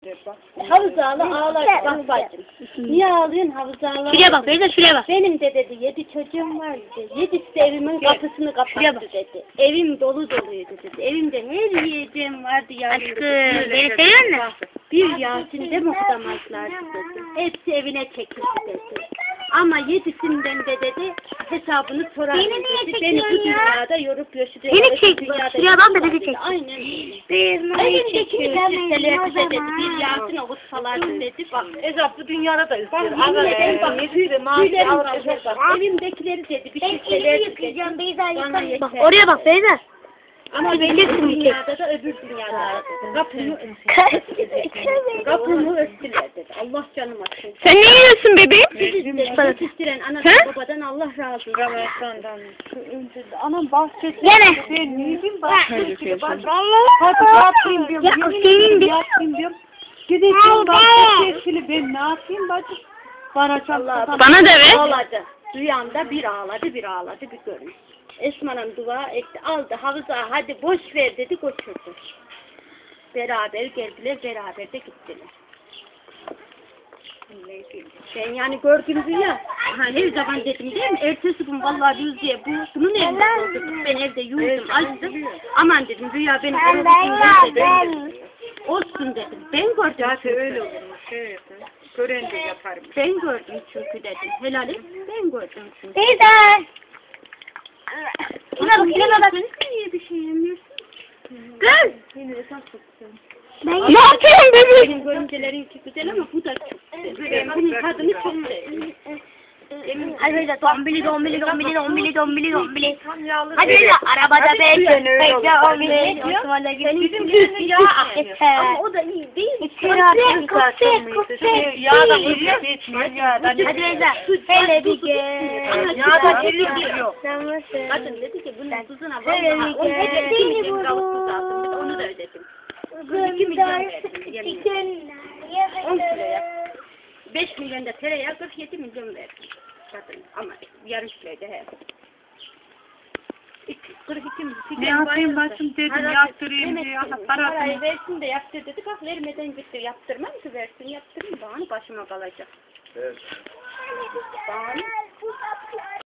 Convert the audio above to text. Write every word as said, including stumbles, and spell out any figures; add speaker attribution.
Speaker 1: Havuz ağla ağlar. Bak bacım. Niye ağlıyorsun havuz ağla?
Speaker 2: Şuraya bak Beyza, şuraya bak.
Speaker 1: Benim de dedi yedi çocuğum var dedi. Yedisi de evimin kapısını kapattı dedi. Evim dolu doluydu dedi. Evimde her yiyeceğim vardı yavrum.
Speaker 2: Aşkım beni seviyor musun?
Speaker 1: Bir Yasin'de mi okudamazlardı dedi. Hepsi evine çekildi dedi. Ama yedisinden de dedi hesabını sorar
Speaker 2: Beni
Speaker 1: dedi.
Speaker 2: niye
Speaker 1: Beni bu
Speaker 2: çekiyorsun ya?
Speaker 1: dünyada yorup göçürüyor.
Speaker 2: Beni çek, şuraya bak da bizi çek.
Speaker 1: Aynen öyle.
Speaker 2: Evimdekini
Speaker 1: Evimdekini bize dedi. Bir Yasin okutsalardı dedi. Bak
Speaker 3: Ezap bu dünyada da
Speaker 1: Bak
Speaker 3: istiyor.
Speaker 1: yemin ederim bak tüylerim kalkıyor
Speaker 2: şey
Speaker 1: bak. Evimdekileri dedi bir şişeler dedi. Bana yeter.
Speaker 2: Bak oraya bak Beyza.
Speaker 1: Ama benim bu dünyada da öbür dünyada da dedi. Kapımı kapımı örttüler dedi. Allah canım atsın.
Speaker 2: Sen ne yiyorsun bebeğim?
Speaker 1: Yetiştiren anadan babadan Allah razı olsun.
Speaker 3: Ramazan'dan. Anam bahçesi.
Speaker 2: Yine.
Speaker 3: Ben neydim bahçesi. Hadi
Speaker 2: Ya
Speaker 3: yapayım diyorum.
Speaker 2: o
Speaker 3: yemin
Speaker 2: senin
Speaker 3: ediyorum,
Speaker 2: bir-
Speaker 3: yapayım diyorum. Gideceğim bahçesi. Ben ne yapayım bacım? Varacağım.
Speaker 2: Bana da ver.
Speaker 1: Ağladı. Rüyamda bir ağladı bir ağladı bir görmüş. Esman'ın dua etti aldı havuza hadi boş ver dedi götürdü. Beraber geldiler beraber de gittiler. Ben yani gördüm rüya. Ha, her zaman dedim değil mi? Ertesi gün vallahi Rüzgar'e bu bunun evinde oldu. Ben evde yürüdüm açtım. Aman dedim rüya beni gördüm dedim. Olsun dedim. Ben gördüm.
Speaker 3: Zaten öyle olur. Şey, gören de yaparım.
Speaker 1: Ben gördüm çünkü dedim. Helal et. Ben gördüm çünkü.
Speaker 2: Beyza. Şuna bak, şuna bak.
Speaker 1: Sen niye bir şey yemiyorsun?
Speaker 2: Kız.
Speaker 1: Yine de çok güzel.
Speaker 2: Ne yapıyorsun bebeğim?
Speaker 1: Benim görümcelerinki güzel ama bu da çok güzel. Ben bunun tadını çok sevdim.
Speaker 2: Hadi Beyza, dombili dombili dombili dombili dombili dombili. Hadi Beyza, arabada bekle. Bekle dombili. Osman'a gidelim.
Speaker 1: Bizim düğünü yağ akıyor. Ama o da iyi değil.
Speaker 2: Köfte, köfte, köfte.
Speaker 3: Yağ da hiç içmiyor. Yağdan
Speaker 2: Hadi Beyza, hele bir gel.
Speaker 3: Yağ da içmiyor.
Speaker 1: Kadın dedi ki bunun tuzuna vallahi on iki milyon kalıp tuz aldım. Onu da ödedim. iki milyon verdim. Yemin. on kiloya. beş milyon da tereyağı kırk yedi milyon verdim. Kadın ama yarım kiloydu he. kırk iki milyon.
Speaker 3: Ne yapayım bacım dedim yaptırayım diye.
Speaker 1: Parayı versin de yaptır dedi. Bak vermeden gitti. Yaptırmam ki versin yaptırayım. Bana başıma kalacak.
Speaker 4: Evet.
Speaker 1: Bana.